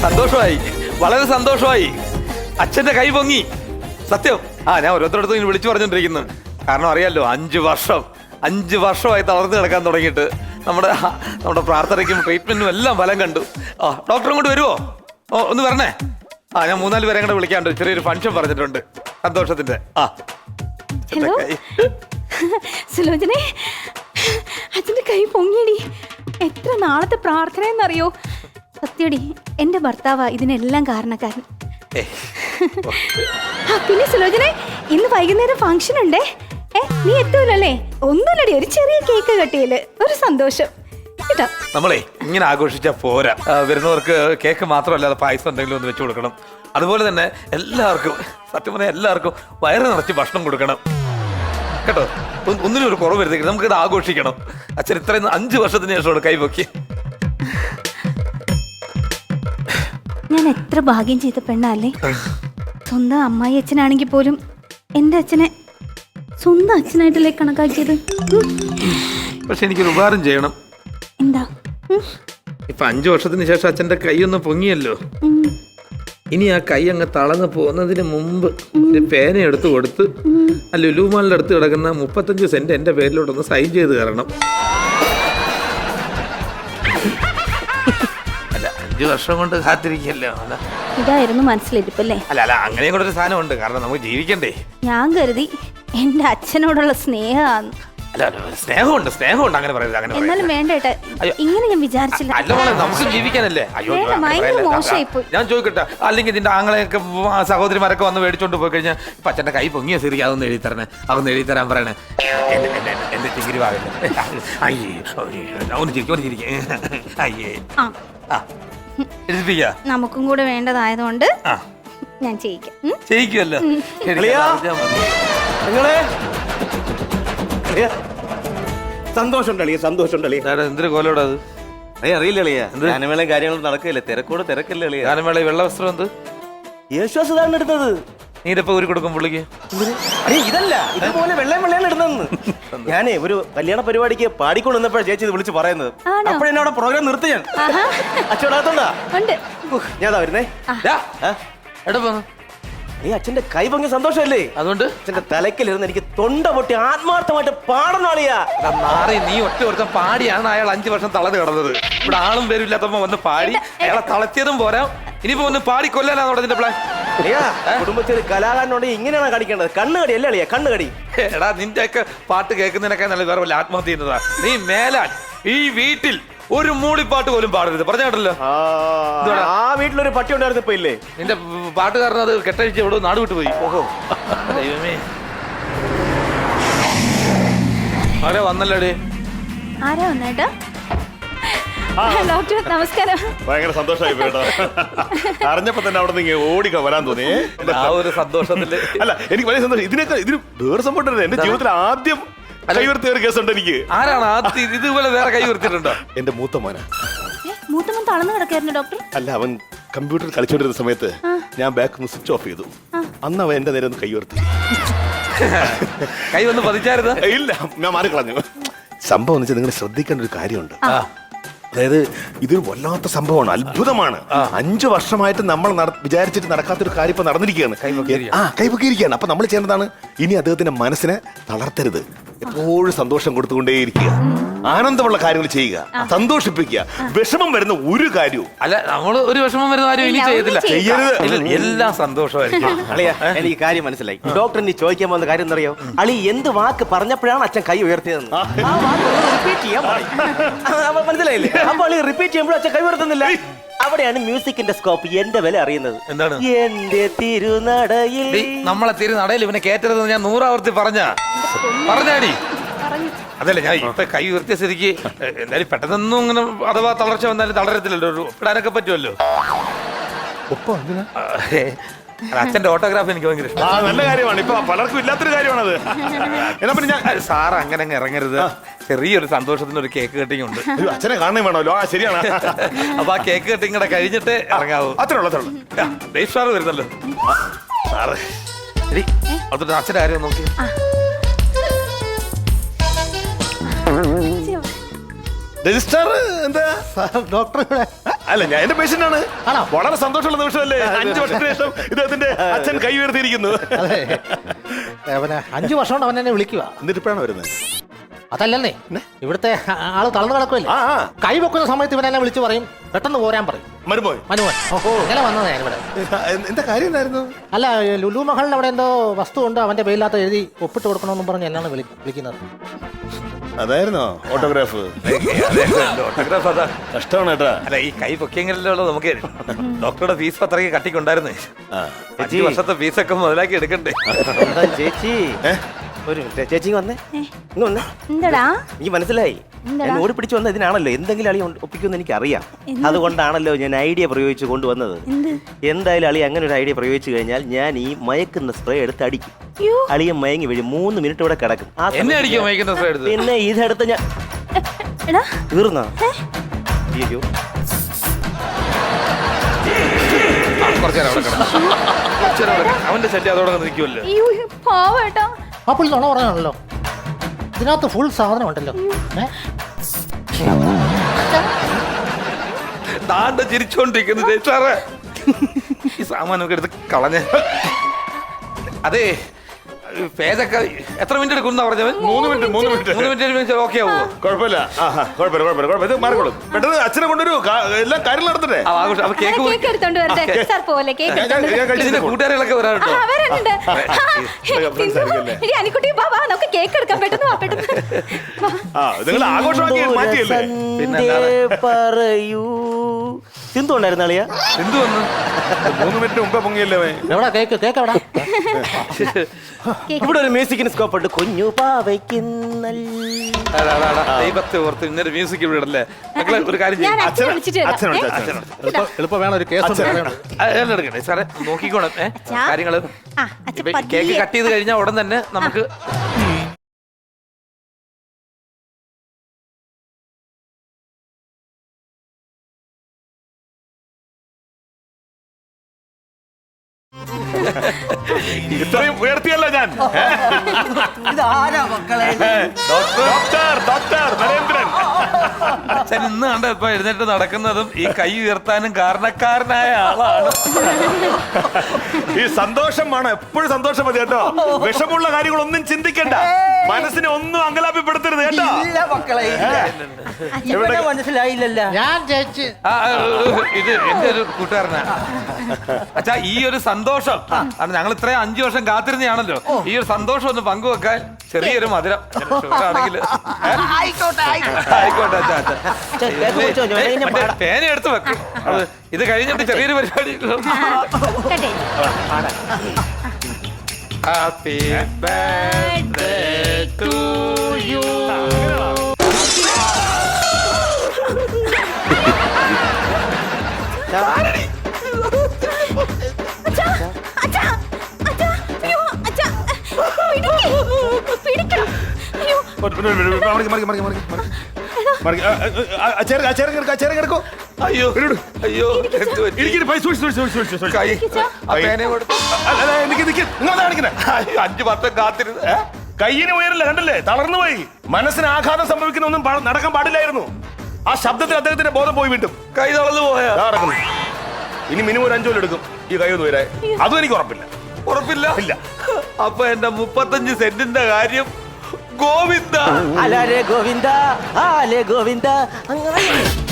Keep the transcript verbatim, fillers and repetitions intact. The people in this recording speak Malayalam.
സന്തോഷമായി, വളരെ സന്തോഷമായി. അച്ഛന്റെ കൈ പൊങ്ങി. സത്യം. ആ ഞാൻ ഓരോരുത്തരടുത്തും ഇങ്ങനെ വിളിച്ചു പറഞ്ഞോണ്ടിരിക്കുന്നു. കാരണം അറിയാലോ, അഞ്ചു വർഷം അഞ്ച് വർഷമായി തളർന്നു കിടക്കാൻ തുടങ്ങിയിട്ട്. നമ്മുടെ നമ്മുടെ പ്രാർത്ഥനയ്ക്കും ട്രീറ്റ്മെന്റിനും എല്ലാം ഫലം കണ്ടു. ആ ഡോക്ടറും കൊണ്ട് വരുമോ? ഓ ഒന്ന് വരണേ. ആ ഞാൻ മൂന്നാല് പേരെ കൂടെ വിളിക്കാണ്ട് ചെറിയൊരു ഫംഗ്ഷൻ പറഞ്ഞിട്ടുണ്ട് സന്തോഷത്തിന്റെ. ആ ഹലോ സുലോചനെ, അച്ഛന്റെ കൈ പൊങ്ങിയടി. എത്ര നാളത്തെ പ്രാർത്ഥന എന്നറിയോ? സത്യടി, എന്റെ ഭർത്താവാ ഇതിനെല്ലാം കാരണക്കാരൻ. പിന്നെ സുലോചനെ, ഇന്ന് വൈകുന്നേരം ഫംഗ്ഷൻ ഉണ്ടേ. ഏ നീ എത്തൂലല്ലേ? ഒന്നുമില്ലടി, ഒരു ചെറിയ കേക്ക് കട്ടിയില് ഒരു സന്തോഷം. നമ്മളെ ഇങ്ങനെ ആഘോഷിച്ചാൽ പോരാ. വരുന്നവർക്ക് കേക്ക് മാത്രമല്ലാതെ പായസം എന്തെങ്കിലും ഒന്ന് വെച്ചു കൊടുക്കണം. അതുപോലെ തന്നെ എല്ലാവർക്കും, സത്യം പറഞ്ഞാൽ എല്ലാവർക്കും വയറ് നിറച്ച് ഭക്ഷണം കൊടുക്കണം കേട്ടോ. ഒന്നിനും ഒരു കുറവ് വരുത്തേക്ക് നമുക്കിത് ആഘോഷിക്കണം. അച്ഛൻ ഇത്രയും അഞ്ചു വർഷത്തിന് ശേഷമാണ് കൈപൊക്കി. ഞാൻ എത്ര ഭാഗ്യം ചെയ്ത പെണ്ണല്ലേ. സ്വന്തം അമ്മായി അച്ഛനാണെങ്കിൽ പോലും എന്റെ അച്ഛനെ സ്വന്തം അച്ഛനായിട്ടല്ലേ കണക്കാക്കിയത്. പക്ഷെ എനിക്കൊരു ഉപകാരം ചെയ്യണം. എന്താ? ഇപ്പൊ അഞ്ചു വർഷത്തിന് ശേഷം അച്ഛന്റെ കൈ ഒന്ന് പൊങ്ങിയല്ലോ. ഇനി ആ കൈ അങ്ങ് തളർന്ന് പോകുന്നതിന് മുമ്പ് ഒരു പേന എടുത്ത് കൊടുത്ത് ആ ലുലുമാളിന്റെ അടുത്ത് കിടക്കുന്ന മുപ്പത്തഞ്ച് സെന്റ് എന്റെ പേരിലോട്ടൊന്ന് സൈൻ ചെയ്ത് തരണം. അല്ല അഞ്ചു വർഷം കൊണ്ട് കാത്തിരിക്കല്ലോ. ഇതായിരുന്നു മനസ്സിലിരിപ്പല്ലേ? അല്ല അല്ല അങ്ങനെയും കൂടെ ഒരു സാധനം ഉണ്ട്. കാരണം നമുക്ക് ജീവിക്കണ്ടേ. ഞാൻ കരുതി എന്റെ അച്ഛനോടുള്ള സ്നേഹമാണ്. അല്ല സ്നേഹമുണ്ട്, സ്നേഹമുണ്ട്. അങ്ങനെ പറയുന്നത് അങ്ങനെ എന്നാലും വേണ്ടേട്ടെ, ഇങ്ങനെ ഞാൻ വിചാരിച്ചില്ല. അല്ല മോളെ, നമുക്ക് ജീവിക്കാനല്ലേ. അയ്യോ ഞാൻ ചോദിക്കട്ടെ, അല്ലെങ്കിൽ നിന്റെ ആങ്ങളെയൊക്കെ സഹോദരിമാരൊക്കെ വന്ന് മേടിച്ചോണ്ട് പോയി കഴിഞ്ഞാൽ ഇപ്പൊ അച്ഛന്റെ കൈ പൊങ്ങിയ ശരി അതൊന്ന് എഴുതി തരണേ, അതൊന്ന് എഴുതി തരാൻ പറയണേ. എന്റെ ചിങ്കിരി ഭാഗല്ലേ. അയ്യേ ഒന്ന് ചിരിക്കും, ഒന്ന് ചിരിക്കും. അയ്യേ എഴുതിപ്പിക്ക. നമുക്കും കൂടെ വേണ്ടതായതുകൊണ്ട് ഞാൻ ചെയ്യിക്കാം. ചെയ്യിക്കുമല്ലോ. സന്തോഷം സന്തോഷം. എന്തൊരു കോലോടാ അത്? അറിയില്ല അളിയ, ഗാനമേളയും കാര്യങ്ങളും നടക്കില്ല. തിരക്കോട് തിരക്കല്ലേ അളിയ. ഗാനമേള വെള്ള വസ്ത്രം എന്ത് യേശുദാസാണ് എടുത്തത്. നീരപ്പ ഊരി കൊടുക്കും പുള്ളിക്ക്. അയ്യ ഇതല്ല, ഇതുപോലെ വെള്ളയും വെള്ളയാണ് ഇടുന്നതെന്ന്. ഞാനേ ഒരു കല്യാണ പരിപാടിക്ക് പാടിക്കൊണ്ട് വന്നപ്പോഴാണ് ചേച്ചി ഇത് വിളിച്ച് പറയുന്നത്. അപ്പോഴെന്നെ അവിടെ പ്രോഗ്രാം നിർത്തി ഞാൻ. അച്ഛനോടാത്തോണ്ടാ ഞാൻ വരുന്നേ. എടാ പോന്നു നീ അച്ഛന്റെ കൈ പൊങ്ങിയ സന്തോഷമല്ലേ? അതുകൊണ്ട് അച്ഛന്റെ തലക്കിലിരുന്ന് എനിക്ക് തൊണ്ട പൊട്ടി ആത്മാർത്ഥമായിട്ട് പാടണം അളിയാ. നാറി നീ ഒറ്റ ഒരുത്തം പാടിയാണ് അയാൾ അഞ്ചു വർഷം തളർന്ന് കിടന്നത്. ഇവിടെ ആളും പേരും ഇല്ലാത്തപ്പോ വന്ന് പാടി അയാളെ തളച്ചതും പോരാ, ഇനിയിപ്പോ ഒന്ന് പാടി കൊല്ലാനാണ് ഇതിന്റെ പ്ലാൻ. കുടുംബത്തിൽ കലാകാരനോട് ഇങ്ങനെയാണ് കാണിക്കേണ്ടത്. കണ്ണുകടി അല്ലേ അളിയാ, കണ്ണുകടി. എടാ നിന്റെ ഒക്കെ പാട്ട് കേൾക്കുന്നതിനൊക്കെ നല്ല വേറെ വല്ല ആത്മഹത്യ ചെയ്യുന്നതാ. നീ മേലാൽ ഈ വീട്ടിൽ ഒരു മൂളിപ്പാട്ട് പോലും പാടരുത് പറഞ്ഞാട്ടല്ലോ. ആ വീട്ടിലൊരു പട്ടി ഉണ്ടായിരുന്നു ഇപ്പൊ ഇല്ലേ? നിന്റെ പാട്ടുകാരൻ അത് കെട്ടഴിച്ച് എവിടെ നാട് വിട്ടു പോയി. ഓഹോ ദൈവമേ, ആരാ വന്നല്ലോടേ? ആരാ വന്നേട്ടാ? ഡോക്ടർ നമസ്കാരം. ഭയങ്കര സന്തോഷമായി പോയിട്ടോ. അറിഞ്ഞപ്പോ തന്നെ അവിടെ നിന്ന് ഓടി വരാൻ തോന്നി. ആ ഒരു സന്തോഷത്തില് അല്ല എനിക്ക് വലിയ സന്തോഷം. ഇതിനൊക്കെ ഇതിന് വേറെ സംഭവം എന്റെ ജീവിതത്തിൽ ആദ്യം കൈവർത്തിയ ഒരു കേസുണ്ട് എനിക്ക്. ആരാണ് ആദ്യം ഇതുപോലെ വേറെ കൈ ഉയർത്തിയിട്ടുണ്ടോ? എന്റെ മൂത്ത മോന. മൂത്തമ്മൻ തളർന്നു കിടക്കായിരുന്നു ഡോക്ടർ. അല്ല അവൻ കമ്പ്യൂട്ടറിൽ കളിച്ചോണ്ടിരുന്ന സമയത്ത് ഞാൻ ബാക്ക് സ്വിച്ച് ഓഫ് ചെയ്തു. അന്ന് അവൻ എന്റെ നേരെ ഒന്ന് കൈ ഉയർത്തി. കൈ വന്ന് പതിച്ചായിരുന്നു? ഇല്ല, ഞാൻ മാറിക്കളഞ്ഞു. സംഭവം എന്ന് വെച്ചാൽ നിങ്ങൾ ശ്രദ്ധിക്കേണ്ട ഒരു കാര്യമുണ്ട്. അതായത് ഇതൊരു വല്ലാത്ത സംഭവമാണ്, അത്ഭുതമാണ്. അഞ്ചു വർഷമായിട്ട് നമ്മൾ വിചാരിച്ചിട്ട് നടക്കാത്തൊരു കാര്യം ഇപ്പൊ നടന്നിരിക്കുകയാണ്. ആ കൈപൊക്കിയിരിക്കുകയാണ്. അപ്പൊ നമ്മൾ ചെയ്യേണ്ടതാണ് ഇനി അദ്ദേഹത്തിന്റെ മനസ്സിനെ തളർത്തരുത്. എപ്പോഴും സന്തോഷം കൊടുത്തുകൊണ്ടേയിരിക്കുക, ആനന്ദമുള്ള കാര്യങ്ങൾ ചെയ്യുക, സന്തോഷിപ്പിക്കുക. വിഷമം വരുന്ന ഒരു കാര്യവും അല്ല, നമ്മള് ഒരു വിഷമം വരുന്ന കാര്യം ഇനി ചെയ്യത്തില്ല, ചെയ്യരുത്. എല്ലാം സന്തോഷമായിരിക്കും. അളിയ എനിക്ക് കാര്യം മനസ്സിലായി. ഡോക്ടറിന് ചോദിക്കാൻ പോകുന്ന കാര്യം എന്നറിയോ? അളി എന്ത് വാക്ക് പറഞ്ഞപ്പോഴാണ് അച്ഛൻ കൈ ഉയർത്തിയതെന്ന്. റിപ്പീറ്റ് ചെയ്യാൻ മനസ്സിലായില്ലേ? അപ്പൊ അളി റിപ്പീറ്റ് ചെയ്യുമ്പോൾ അച്ഛൻ കൈ ഉയർത്തുന്നില്ല. അവിടെയാണ് മ്യൂസിക്കിന്റെ സ്കോപ്പ് എന്റെ വില അറിയുന്നത്. എന്താണ്? എന്റെ തിരുനടയിൽ നമ്മളെ തിരുനടയിൽ ഇവനെ കേറ്റരുതെന്ന് ഞാൻ നൂറാവർത്തി പറഞ്ഞ പറഞ്ഞാടി. അതല്ല ഞാൻ ഇപ്പൊ കൈ ഉയർത്തിയ സ്ഥിതിക്ക് എന്തായാലും പെട്ടെന്നൊന്നും ഇങ്ങനെ അഥവാ തളർച്ച വന്നാലും തളരത്തില്ലല്ലോ, ഒരു ഒപ്പിടാനൊക്കെ പറ്റുമല്ലോ. അച്ഛന്റെ ഓട്ടോഗ്രാഫ് എനിക്ക് ഭയങ്കര ഇഷ്ടം. നല്ല കാര്യമാണ്. ഇപ്പൊ പലർക്കും ഇല്ലാത്തൊരു കാര്യമാണത്. എന്നാ പിന്നെ ഞാൻ സാർ അങ്ങനെ അങ്ങ് ഇറങ്ങരുത്. ചെറിയൊരു സന്തോഷത്തിന് ഒരു കേക്ക് കട്ടിങ് ഉണ്ട്. അച്ഛനെ കാണണേ വേണമല്ലോ. ആ ശരിയാണ്. അപ്പൊ ആ കേക്ക് കട്ടിങ് കൂടെ കഴിഞ്ഞിട്ട് ഇറങ്ങാവൂ. അത്രേ ഉള്ളൂ, അത്രേ ഉള്ളൂ. ദേവ് സാറ് വരുന്നല്ലോ. സാറ് ശരി, അതൊരു അച്ഛൻ്റെ കാര്യം നോക്കി. രജിസ്റ്റർ എന്താ ഡോക്ടർ അല്ല ഞാൻ എന്റെ പേഷ്യന്റ് ആണ്. ആണോ? വളരെ സന്തോഷമുള്ള നിമിഷമല്ലേ അഞ്ചു വർഷത്തിന് ശേഷം ഇദ്ദേഹത്തിന്റെ അച്ഛൻ കൈ ഉയർത്തിയിരിക്കുന്നു. അതെ ഏ, പിന്നെ അഞ്ചു വർഷം കൊണ്ട് അവൻ എന്നെ വിളിക്കുക. എന്നിട്ട് ഇപ്പോഴാണ് വരുന്നത്. അതല്ലെന്നേ ഇവിടുത്തെ ആ- ആള് തളർന്നു കിടക്കുമല്ലേ. ആ ആ കൈ വെക്കുന്ന സമയത്ത് ഇവൻ എന്നെ വിളിച്ച് പറയും പെട്ടെന്ന് പോരാൻ പറയും. മരുമോൻ മനുവൻ ഓഹോ ഇങ്ങനെ വന്നതാ ഞാനിവിടെ. എന്താ കാര്യം എന്തായിരുന്നു? അല്ല ലുലു മഹളിന് അവിടെ എന്തോ വസ്തു ഉണ്ട് അവന്റെ പേരിനകത്ത് എഴുതി ഒപ്പിട്ട് കൊടുക്കണമെന്നും പറഞ്ഞ് എന്നാണ് വിളി വിളിക്കുന്നത്. അതായിരുന്നോ ഓട്ടോഗ്രാഫ്? ഓട്ടോഗ്രാഫ് അതാ. കഷ്ടമാണ് കേട്ടാ. അല്ല ഈ കൈ പൊക്കിയെങ്കിലല്ലോ നമുക്ക് ഡോക്ടറുടെ ഫീസ് അത്രയ്ക്ക് കട്ടിക്കുണ്ടായിരുന്നേ. ആ. അഞ്ചു വർഷത്തെ ഫീസൊക്കെ മുതലാക്കി എടുക്കണ്ടേ. എന്താ ചേച്ചി ഒരു മിനിറ്റ് ചേച്ചി ഇങ്ങ് വന്നേ ഇങ്ങ് വന്നേ. എന്താടാ എനിക്ക് മനസ്സിലായി എന്താടാ? ഞാൻ ഓടി പിടിച്ച് വന്ന ഇതിനാണല്ലോ എന്തെങ്കിലും അളി ഒപ്പിക്കുമെന്ന് എനിക്ക് അറിയാം. അതുകൊണ്ടാണല്ലോ ഞാൻ ഐഡിയ പ്രയോഗിച്ച് കൊണ്ടുവന്നത്. എന്ത്? എന്തായാലും അളി അങ്ങനെ ഒരു ഐഡിയ പ്രയോഗിച്ചു കഴിഞ്ഞാൽ ഞാൻ ഈ മയക്കുന്ന സ്പ്രേ എടുത്ത് അടിക്കും. യ്യോ. അളിയെ മയങ്ങി വീഴും. മൂന്ന് മിനിറ്റ് ഇവിടെ കിടക്കും. ആ എന്നെ സമയത്ത് അടിക്കാൻ ഞാൻ- വഹിക്കുന്ന സ്പ്രേ എടുത്ത്. പിന്നെ ഇതെടുത്ത് ഞാൻ എടാ തീർന്നോ? അയ്യോ ആ, കുറച്ച് നേരം അവിടെ കിടന്നു. കുറച്ച് നേരം അവിടെ കിടന്നു. അവന്റെ ശല്യം അതോടെ നിൽക്കുമല്ലോ. അയ്യോ പാവേട്ടാ. ആ പുള്ളി നുണ പറഞ്ഞാണല്ലോ ഇതിനകത്ത് ഫുൾ സാധനം ഉണ്ടല്ലോ. ഏ? താണ്ട ചിരിച്ചോണ്ടിരിക്കുന്നത് സാറേ. ഈ സാമാനൊക്കെ എടുത്ത് കളഞ്ഞ. അതെ പേജൊക്കെ എത്ര മിനിറ്റ് എടുക്കും പറഞ്ഞവൻ? മൂന്ന് മിനിറ്റ് മൂന്ന് മിനിറ്റ് മൂന്ന് മിനിറ്റ് ഓക്കെ ആവോ? കുഴപ്പമില്ല. ആഹാ കുഴപ്പമില്ല കുഴപ്പമില്ല കുഴപ്പമില്ല. ഇത് മാറിക്കോളും. പെട്ടെന്ന് അച്ഛനെ കൊണ്ടൊരു കാ- എല്ലാം കാര്യങ്ങൾ നടത്തട്ടെ. ആ, ആഘോഷം. അപ്പൊ കേക്ക് മുറി- കേക്ക് എടുത്തോണ്ട് വരട്ടെ സാർ പോലെ കേക്ക് ഞാൻ- എടുത്തോണ്ട് ഞാൻ വരട്ടെ. കഴിച്ചിട്ട് ഇതിന്റെ പോകാം. കൂട്ടുകാരികളൊക്കെ വരാട്ടോ. ആ, വരാനുണ്ട്. ആ, friends ആയിരിക്കുമല്ലേ? എടി അനിക്കുട്ടി വാ വാ നമുക്ക് കേക്ക് എടുക്കാം പെട്ടെന്ന് വാ പെട്ടെന്ന് വാ. ആ നിങ്ങൾ ആഘോഷമാക്കി മാറ്റിയല്ലേ? പിന്നല്ലാതെ. സന്ധ്യ പറയൂ സിന്ധു ഉണ്ടായിരുന്ന അളിയ എന്ത് വന്നു? മൂന്ന് മിനിറ്റ് മുമ്പേ പൊങ്ങിയല്ലേ അവൻ? എവിടാ കേക്ക് കേക്ക് എവിടാ? ഇവിടെ ഒരു മ്യൂസിക്കിന് സ്കോപ്പ് ഉണ്ട്. കുഞ്ഞു പാവയ്ക്കുന്നൽ അടാ, അടാ, അടാ. ദൈവത്തെ ഓർത്ത് ഇന്നൊരു മ്യൂസിക് ഇവിടെ ഇടല്ലേ. മക്കളെ ഒരു കാര്യം ഞാൻ ചെയ്യും. അച്ഛനെ വിളിച്ചിട്ട് വരാം. അച്ഛനെ വിളിച്ച് ഏ? അച്ഛനെ വിളിച്ച്. എളുപ്പം എളുപ്പം വേണം ഒരു കേസ് ഉണ്ട്. എടുക്കണേ സാറേ നോക്കിക്കോണം. ഏ അച്ഛാ. കാര്യങ്ങള് ആ, അച്ഛൻ ഇപ്പൊ പതിയെ. കേക്ക് കട്ട് ചെയ്ത് കഴിഞ്ഞാൽ ഉടൻ തന്നെ നമുക്ക് ഇത്രയും ഉയർത്തിയല്ല ഞാൻ. ഇതാരാ മക്കളെ? Doctor doctor Narendran. അച്ഛൻ ഇന്ന് കണ്ട ഇപ്പൊ എഴുന്നേറ്റ് നടക്കുന്നതും ഈ കൈ ഉയർത്താനും കാരണക്കാരനായ ആളാണ്. ഈ സന്തോഷം വേണം. എപ്പോഴും സന്തോഷം മതി കേട്ടോ. വിഷമുള്ള കാര്യങ്ങളൊന്നും ചിന്തിക്കണ്ട. മനസ്സിനെ ഒന്നും അങ്കലാപ്പിപ്പെടുത്തരുത് കേട്ടോ. ഇല്ല മക്കളെ ഇല്ല. ഇവിടെ മനസ്സിലായില്ലല്ലോ. ഞാൻ ജയിച്ച് ആ, ആ, ഇത് എന്റെ ഒരു കൂട്ടുകാരനാണ്. അച്ഛാ ഈ ഒരു സന്തോഷം കാരണം ഞങ്ങൾ ഇത്രയും അഞ്ചു വർഷം കാത്തിരുന്നതാണല്ലോ. ഈ ഒരു സന്തോഷം ഒന്ന് പങ്കുവെക്കാൻ ചെറിയൊരു മധുരം ആണെങ്കിൽ ആയിക്കോട്ടെ ആയിക്കോട്ടെ. ആയിക്കോട്ടെ അച്ഛാ അച്ഛാ. കേക്ക് കുടിച്ചോ, ഞാൻ ഏയ്, കഴിഞ്ഞ മറ്റേ പാടാം. പേന എടുത്ത് വെക്കും. അത് ഇത് കഴിഞ്ഞിട്ട് ചെറിയൊരു പരിപാടി. കട്ടെ. Happy birthday to you. അച്ഛാ, അച്ഛാ, അച്ഛാ, അയ്യോ, അച്ഛാ, പിടിക്ക്, പിടിക്കണം. അയ്യോ, മറിക്ക്, മറിക്ക്, മറിക്ക്, മറിക്ക്, മറിക്ക്. മറിക്ക്. ആ, ആ, ആ, ചേറ്, ആ, ചേറ് കിടക്ക്, ആ, ചേറ് കിടക്കൂ. അയ്യോ അയ്യോ എന്ത് പറ്റി? ഇരിക്ക്, ഇരിക്ക്, പൈ, സൂക്ഷിച്ച്, സൂക്ഷിച്ച്, സൂക്ഷിച്ച്, സൂക്ഷിച്ച്. കൈ ആ പേന കൊടുത്തു. അല്ല, അല്ല, നിക്ക്, നിക്ക്. നിങ്ങളെന്താ കാണിക്കുന്നെ? അയ്യോ, അഞ്ചു വർഷം കാത്തിരുന്ന് ഏ? കയ്യിന് ഉയരില്ല കണ്ടല്ലേ, തളർന്നു പോയി. മനസ്സിന് ആഘാതം സംഭവിക്കുന്ന ഒന്നും പാ- നടക്കാൻ പാടില്ലായിരുന്നു. ആ ശബ്ദത്തിൽ അദ്ദേഹത്തിന്റെ ബോധം പോയി വീണ്ടും കൈ തളർന്നു പോയാ? ദാ നടക്കുന്നു. ഇനി മിനിമം ഒരു അഞ്ചു കൊല്ലം എടുക്കും ഈ കൈ ഒന്ന് ഉയരാൻ. അതും എനിക്ക് ഉറപ്പില്ല. ഉറപ്പില്ല. ഇല്ല. അപ്പൊ എന്റെ മുപ്പത്തഞ്ച് സെന്റിന്റെ കാര്യം ഗോവിന്ദ. അലാലേ ഗോവിന്ദ ആലേ ഗോവിന്ദ അങ്ങനെ